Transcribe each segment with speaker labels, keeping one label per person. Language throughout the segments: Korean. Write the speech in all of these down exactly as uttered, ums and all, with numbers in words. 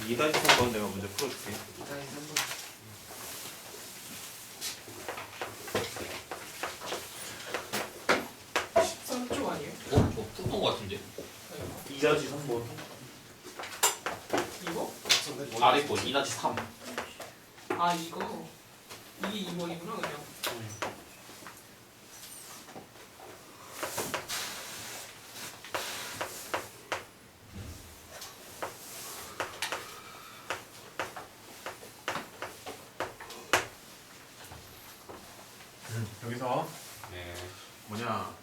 Speaker 1: 이 다시 삼 번 내가 문제 풀어줄게.
Speaker 2: 이 다시 삼 번.
Speaker 3: 십삼 쪽 아니에요?
Speaker 4: 어? 저 푸는 거 같은데?
Speaker 1: 이 다시 삼 번.
Speaker 3: 이거?
Speaker 4: 아래 거 이 다시 삼.
Speaker 3: 아 이거 이게 이 번이구나 그냥.
Speaker 1: 음, 여기서
Speaker 4: 네.
Speaker 1: 뭐냐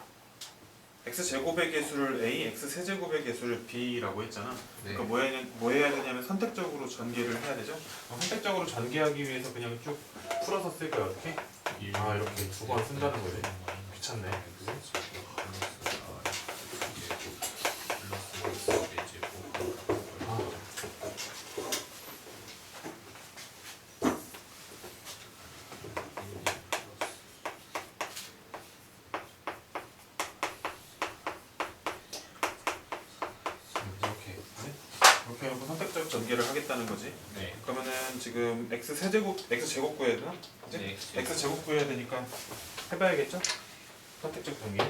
Speaker 1: x제곱의 개수를 a, x세제곱의 개수를 b라고 했잖아.
Speaker 4: 네.
Speaker 1: 그러니까 뭐, 해야, 뭐 해야 되냐면 선택적으로 전개를 해야 되죠. 어, 선택적으로 전개하기 위해서 그냥 쭉 풀어서 쓸 거야. 어떻게? 아 이렇게 두 번 쓴다는 거지. 귀찮네. 아. 이렇게 이렇게 해놓고 선택적 전개를 하겠다는 거지.
Speaker 4: 네.
Speaker 1: 그러면은 지금 x 세제곱 x 제곱 구해야 되나? 그치?
Speaker 4: 네.
Speaker 1: x 제곱 구해야 되니까 해봐야겠죠? 선택적 전개.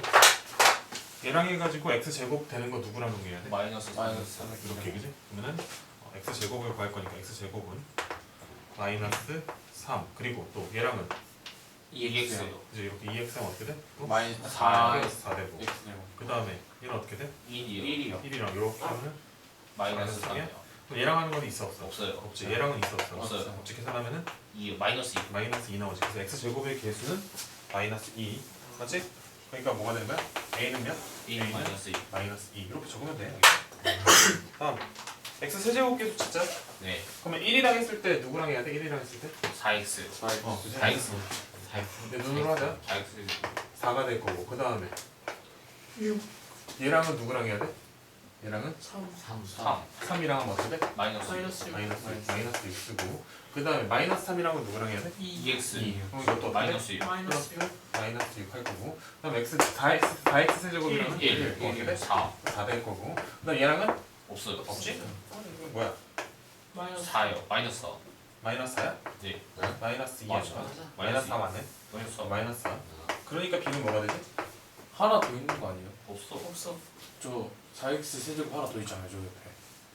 Speaker 1: 얘랑 해가지고 x 제곱 되는 거 누구랑 동일해야 돼?
Speaker 4: 마이너스
Speaker 2: 마이너스
Speaker 4: 삼.
Speaker 1: 이렇게 그지? 그러면은 어, x 제곱을 구할 거니까 x 제곱은 마이너스 삼 그리고 또 얘랑은
Speaker 4: 이 엑스요.
Speaker 1: 이제 이렇게 이 엑스는 어떻게 돼? 또
Speaker 2: 마이너스
Speaker 4: 사.
Speaker 1: 플러스 사 되고
Speaker 2: X네요.
Speaker 1: 그 다음에 얘는 어떻게 돼?
Speaker 4: 일이요.
Speaker 2: 일이요.
Speaker 1: 일이랑 이렇게 하면
Speaker 4: 마이너스
Speaker 1: 마이너스
Speaker 4: 삼이요.
Speaker 1: 그럼 얘랑 하는 건 있어 없어?
Speaker 4: 없어요.
Speaker 1: 없지. 얘랑은 있어 없어?
Speaker 4: 없어요.
Speaker 1: 없지. 계산하면은
Speaker 4: 이 마이너스 이.
Speaker 1: 마이너스 이 나오지. 그래서 x 제곱의 개수는 마이너스 이 맞지? 그러니까 뭐가 되는 거야? a는 몇?
Speaker 4: 일
Speaker 1: A는?
Speaker 4: 마이너스 이.
Speaker 1: 마이너스 이 이렇게 적으면 돼. 다음 x 세제곱 개수 진짜?
Speaker 4: 네.
Speaker 1: 그러면 일이랑 했을 때 누구랑 해야 돼? 일이랑 했을 때?
Speaker 4: 사 엑스.
Speaker 1: 어, 그지?
Speaker 4: 사 엑스. 사 엑스.
Speaker 1: 근데 눈으로 하자.
Speaker 4: 사 엑스.
Speaker 1: 사가 될 거고 그 다음에
Speaker 3: 육.
Speaker 1: 얘랑은 누구랑 해야 돼? 얘랑은
Speaker 3: 삼.
Speaker 4: 삼. 삼.
Speaker 1: 삼이랑 하면 어떻게 돼?
Speaker 4: 마이너스
Speaker 3: 마이너스 육.
Speaker 1: 마이너스 마이너스 육 쓰고 그 다음에 마이너스 삼이랑은 누구랑 해야 돼?
Speaker 4: 이 엑스.
Speaker 1: 이. 그럼 이것도 어떻게 돼?
Speaker 4: 마이너스 일.
Speaker 3: 마이너스 육.
Speaker 1: 마이너스 육 할 거고 그 다음에 x 사 x 사 x 세제곱이랑은
Speaker 4: 일.
Speaker 1: 일. 그럼 어떻게 돼?
Speaker 4: 사.
Speaker 1: 사 될 거고 그 다음에 얘랑은
Speaker 4: 없어요.
Speaker 1: 없지? 이거 뭐야?
Speaker 3: 마이너스
Speaker 4: 사요. 마이너스 사.
Speaker 1: 마이너스 사야?
Speaker 4: 네.
Speaker 1: 마이너스 이야
Speaker 4: 맞아.
Speaker 1: 마이너스 사 맞네?
Speaker 4: 마이너스 사.
Speaker 1: 마이너스 사 그러니까 b는 뭐가 되지?
Speaker 2: 하나 더 있는 거 아니에요?
Speaker 4: 없어.
Speaker 3: 없어.
Speaker 2: 저 사 엑스 세제곱 하나 더 있잖아요. 저 옆에.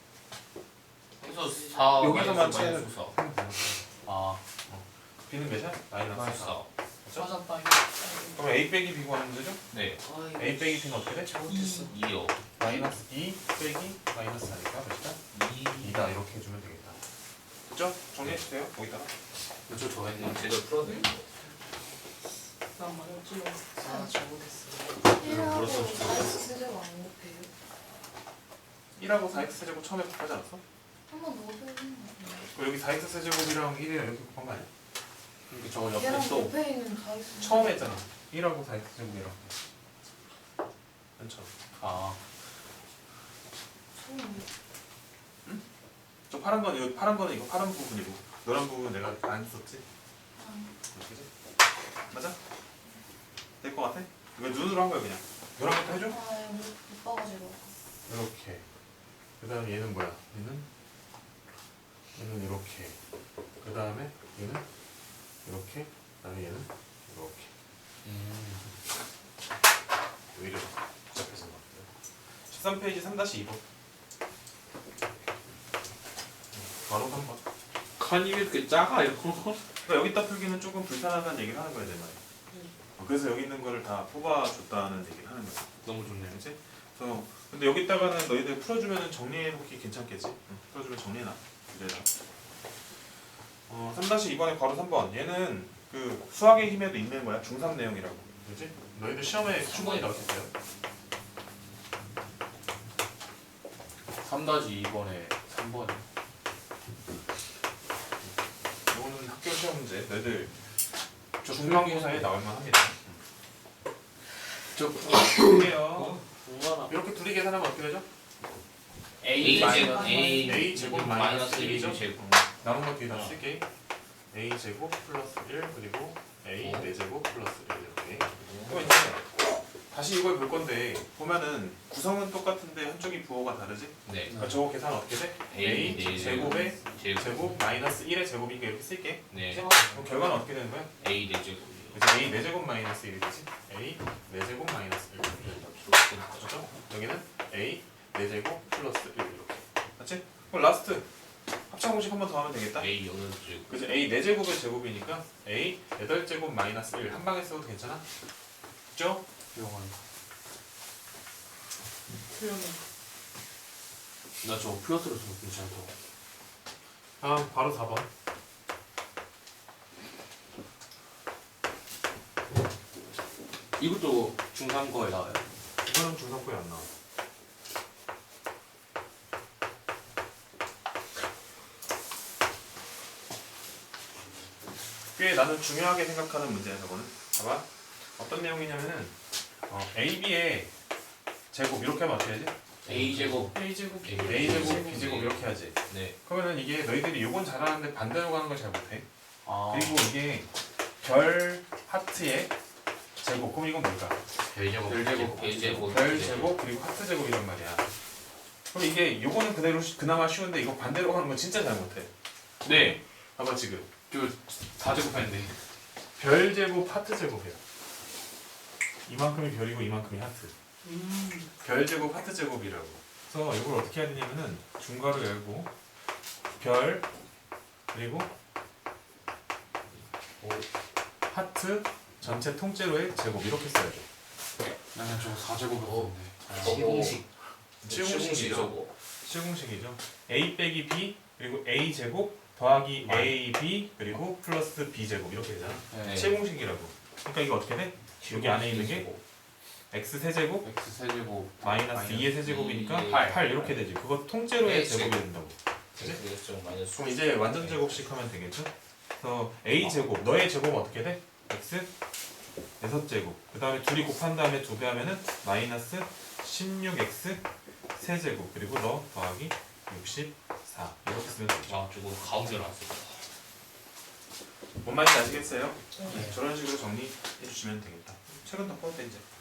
Speaker 4: 그래서 사.
Speaker 1: 여기서만
Speaker 4: 마이너스
Speaker 1: 차이는
Speaker 4: 사.
Speaker 2: 아.
Speaker 1: b는 몇이야? 마이너스
Speaker 4: 마이너스
Speaker 1: 사
Speaker 4: 사.
Speaker 3: 맞았다.
Speaker 1: 그럼 a 빼기 b 구하는 문제죠?
Speaker 4: 네.
Speaker 1: a 빼기 b는 어떻게 돼?
Speaker 3: 잘못했어.
Speaker 4: 이요.
Speaker 1: 마이너스 이 빼기 마이너스 사니까 몇이다?
Speaker 4: 이.
Speaker 1: 이다 이렇게 해주면 되겠다 됐죠? 정리해주세요 거기다가
Speaker 2: 저 좋아했네요.
Speaker 4: 제대로 풀어드릴게요.
Speaker 3: 난 맞았지.
Speaker 2: 아 잘못했어.
Speaker 5: 일하고 사이즈 세제곱 안 곱해요?
Speaker 1: 일하고 사 x 세제곱 처음에 곱하지 않았어?
Speaker 5: 한 번 더 곱해요.
Speaker 1: 그럼 여기 사 x 세제곱이랑 일이랑 이렇게 곱한 거 아니야?
Speaker 2: 이렇게 저 옆에
Speaker 5: 얘랑
Speaker 2: 또
Speaker 5: 곱해 있는 사이즈
Speaker 1: 처음에 했잖아 일하고 사 x 세제곱이랑 맨 처음
Speaker 2: 아.
Speaker 5: 처음
Speaker 1: 저 파란 건 이거 파란 거는 이거 파란 부분이고 노란 부분 내가 안 썼지? 그지? 맞아? 될 것 같아? 이거 눈으로 한 거야 그냥 노란 것도 해줘?
Speaker 5: 아 우리 오빠가 제일
Speaker 1: 이렇게 그 다음에 얘는 뭐야? 얘는 얘는 이렇게 그 다음에 얘는 이렇게 그 다음에 얘는 이렇게
Speaker 2: 음.
Speaker 1: 왜 이래 복잡해진 것 같아요 십삼 페이지 삼 이 번 바로 삼 번
Speaker 4: 칸이 왜 이렇게 작아요?
Speaker 1: 그러니까 여기다 풀기는 조금 불편하다는 얘기를 하는 거야 내 말이 어, 그래서 여기 있는 거를 다 뽑아줬다는 얘기를 하는 거야
Speaker 4: 너무 좋네요.
Speaker 1: 그치? 그래서 근데 여기다가는 너희들 풀어주면 정리해놓기 괜찮겠지? 응, 풀어주면 정리해놔 그래라 어, 삼 이 번에 바로 삼 번 얘는 그 수학의 힘에도 있는 거야 중삼 내용이라고 그치? 너희들 시험에 충분히 나왔겠어요?
Speaker 2: 삼 다시 이 번에 삼 번에.
Speaker 1: 이거는 학교 시험 문제 너희들
Speaker 2: 저
Speaker 1: 중간고사에 나올만 합니다
Speaker 2: 저
Speaker 1: 볼게요
Speaker 2: 공간아.
Speaker 1: 이렇게 둘이 계산하면 어떻게 되죠?
Speaker 4: A 제곱 A
Speaker 1: A 제곱 마이너스 일이죠?
Speaker 4: 일 제곱.
Speaker 1: 남은 거 뒤에 다 쓸게 A 제곱 플러스 일 그리고 A 네 제곱 플러스 일 이렇게 그럼 이제 다시 이걸 볼 건데 보면은 구성은 똑같은데 한쪽이 부호가 다르지?
Speaker 4: 네.
Speaker 1: 그러니까 저거 계산 어떻게 돼?
Speaker 4: A
Speaker 1: A
Speaker 4: 네
Speaker 1: 제곱에
Speaker 4: 제곱.
Speaker 1: 제곱 마이너스 일의 제곱이니까 이렇게 쓸게.
Speaker 4: 네.
Speaker 1: 그럼 결과는 어떻게 되는 거야?
Speaker 4: A 네 제곱.
Speaker 1: 그래서 A 네 제곱 마이너스 일이지. A 네 제곱 마이너스 일. 그렇죠? 여기는 A 네 제곱 플러스 일 이렇게. 맞지? 그럼 라스트 합창 공식 한 번 더 하면 되겠다.
Speaker 4: A 여덟 제곱.
Speaker 1: 그래서 A 네 제곱의 제곱이니까 A 여덟 제곱 마이너스 일 한 방에 써도 괜찮아? 그죠?
Speaker 2: 영원.
Speaker 3: 표현이.
Speaker 2: 나저 플러스로 써도 괜찮다고.
Speaker 1: 아 바로 사 번.
Speaker 2: 이것도 중삼 거에 나와요.
Speaker 1: 이거는 중상부에 안 나와. 꽤 나는 중요하게 생각하는 문제야 저거는. 봐봐. 어떤 내용이냐면은 어, A, B의 제곱 이렇게 하면 어떻게 하지?
Speaker 4: A 제곱.
Speaker 3: A 제곱.
Speaker 4: A
Speaker 1: A 제곱, B 제곱 이렇게 하지.
Speaker 4: 네.
Speaker 1: 그러면은 이게 너희들이 요건 잘하는데 반대로 가는 걸 잘 못해.
Speaker 2: 아.
Speaker 1: 그리고 이게 별 하트의 제곱. 그럼 이건 뭘까?
Speaker 4: 별 제곱.
Speaker 2: 별 제곱.
Speaker 4: A 제곱.
Speaker 1: 별 제곱 그리고 하트 제곱이란 말이야. 그럼 이게 요거는 그대로 쉬- 그나마 쉬운데 이거 반대로 가는 건 진짜 잘 못해.
Speaker 2: 네.
Speaker 1: 봐봐 지금
Speaker 2: 다 제곱했는데.
Speaker 1: 별 제곱 하트 제곱이야. 이만큼이 별이고 이만큼이 하트.
Speaker 3: 음.
Speaker 1: 별 제곱 하트 제곱이라고. 그래서 이걸 어떻게 해야 되냐면은 중괄호 열고 별 그리고 오, 하트 전체 통째로의 제곱 이렇게 써야 돼.
Speaker 2: 나는 저거 사 제곱했는데.
Speaker 4: 시공식.
Speaker 1: 시공식이죠. 시공식이죠. A 빼기 B 그리고 A 제곱 더하기 A B 그리고 플러스 B 제곱 이렇게 되잖아.
Speaker 2: 네.
Speaker 1: 시공식이라고. 그러니까 이거 어떻게 돼? 여기 안에 있는 게 x 세제곱
Speaker 2: X 세제곱
Speaker 1: 마이너스
Speaker 2: 마이너스
Speaker 1: 이의 세제곱이니까
Speaker 4: 이,
Speaker 1: 팔, 팔 이렇게 되지. 그거 통째로의
Speaker 4: X.
Speaker 1: 제곱이 된다고. 그치?
Speaker 4: 그래서 마이너스.
Speaker 1: 그럼 이제 완전 제곱식 하면 되겠죠? 그래서 a 제곱 너의 제곱은 어떻게 돼? x 여섯 제곱 그 다음에 둘이 곱한 다음에 두 배 하면은 마이너스 십육 엑스 세제곱 그리고 너 더하기 육십사 이렇게 쓰면 되죠.
Speaker 4: 아 저거 가운데 나왔어.
Speaker 1: 뭔 말인지 아시겠어요?
Speaker 3: 네.
Speaker 1: 저런 식으로 정리해 주시면 되겠다. 최근 더 포함된 이제